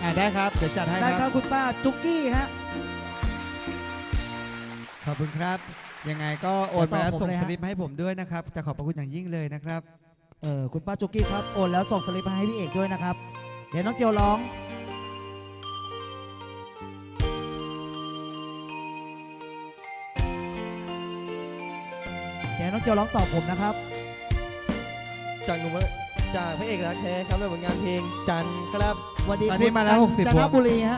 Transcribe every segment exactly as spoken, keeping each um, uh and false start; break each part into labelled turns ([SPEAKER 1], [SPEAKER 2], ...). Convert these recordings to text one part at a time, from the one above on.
[SPEAKER 1] อ่าได้ครับเดี๋ยวจัดให้ครับได้ครับคุณป้าจุกกี้ฮะขอบคุณครับยังไงก็โอนไปแล้วส่งสลิปให้ผมด้วยนะครับจะขอบพระคุณอย่างยิ่งเลยนะครับเออคุณป้าจุกกี้ครับโอนแล้วส่งสลิปให้พี่เอกด้วยนะครับเดี๋ยวน้องเจียวร้องเดี๋ยวน้องเจียวร้องตอบผมนะครับจากหนุ่มจากพระเอกรักแท้ครับในผลงานเพลงจันครับวันนี้คุณมาแล้วหกสิบจันทบุรีฮะ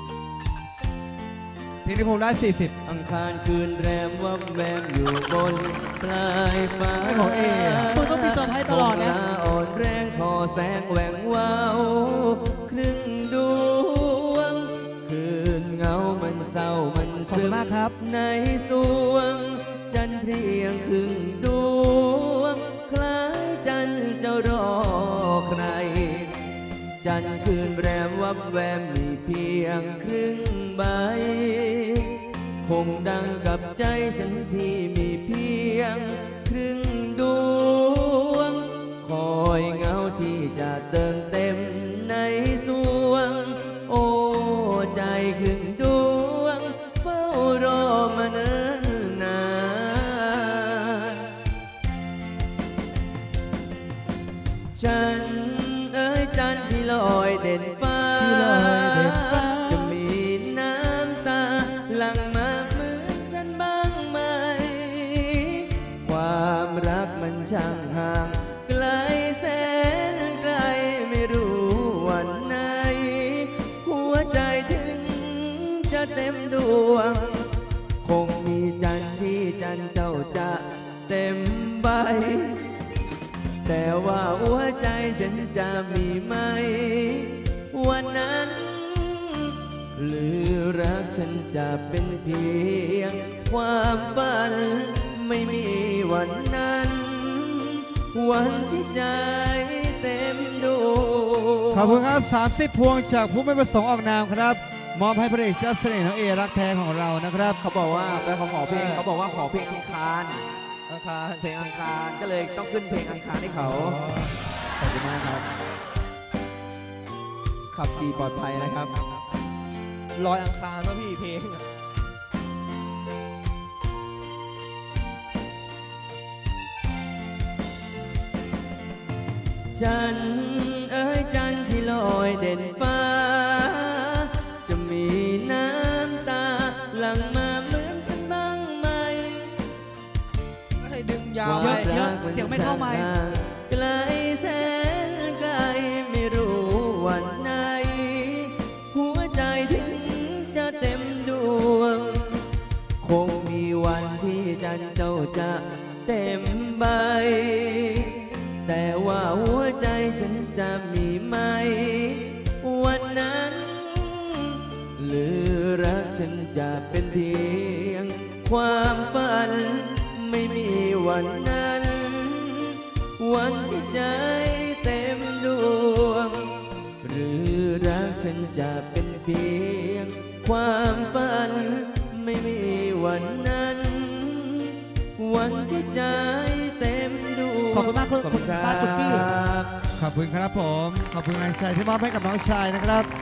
[SPEAKER 1] เพลงที่ผมได้สี่สิบ
[SPEAKER 2] อังคารคืนแรมวับแวมอยู่บนปลายฟ้า
[SPEAKER 1] ไม่ของเอมึงต้องมีเซอร์ไพรส์ตลอดนะ
[SPEAKER 2] อ่อนแรงทอแสงแหว่งว้าวครึ่งดวงคืนเงามันเศร้ามันซึมในสวงจันเพียงครึ่งดวงคล้ายจันจะรอใครจันคืนแรมวับแวมมีเพียงครึ่งใบคงดังกับใจฉันที่มีเพียงครึ่งดวงคอยเงาที่จะเติมเต็มในสวงโอ้ใจครึ่งดวงเฝ้ารอมาเนิ่นนานฉันเอ้ยจันที่ลอยเด่นฟ้าจะมีน้ำตาหลั่งมาเหมือนฉันบ้างไหมความรักมันช่างห่างไกลแสนไกลไม่รู้วันไหนหัวใจถึงจะเต็มดวงคงมีจันที่จันเจ้าจะเต็มใบแต่ว่าหัวใจฉันจะมีไหมวันนั้นหรือรักฉันจะเป็นเพียงความฝันไม่มีวันนั้นวันที่ใจเต็มดวง
[SPEAKER 1] ขอบคุณครับสามสิบพวงจากผู้ไม่ประสงค์ออกนามครับมอบให้พระเอกเจ้าเสน่ห์น้องเอรักแท้ของเรานะครับ
[SPEAKER 2] เขาบอกว่าไปขอขอเพลงเขาบอกว่าขอเพลงอังคารอังคารเพลงอังคารก็เลยต้องขึ้นเพลงอังคารให้เขาขอบคุณมากครับขับขี่ปลอดภัยนะครับลอยอังคารว่าพี่เพลงจันเอ้ยจันที่ลอยเด่นฟ้าจะมีน้ำตาหลั่งมาเหมือนฉันบ้างไหม
[SPEAKER 1] ให้ดึงยาวเยอะๆเสียงไม่เข้าไมค์
[SPEAKER 2] ไกลแสนไกลไม่รู้วันไหนหัวใจถึงจะเต็มดวงคงมีวันที่จันเจ้าจะเต็มใบแต่ว่าหัวใจฉันจะมีไหมวันนั้นหรือรักฉันจะเป็นเพียงความฝันไม่มีวันนั้นวันที่ใจเต็มดวงหรือรักฉันจะเป็นเพียงความฝันไม่มีวันนั้นวันที่ใจเต็มดวง
[SPEAKER 1] ขอบคุณมากคุณป้าจุกกี้ขอบคุณครับผมขอบคุณแรงใจที่มอบให้กับน้องชายนะครับ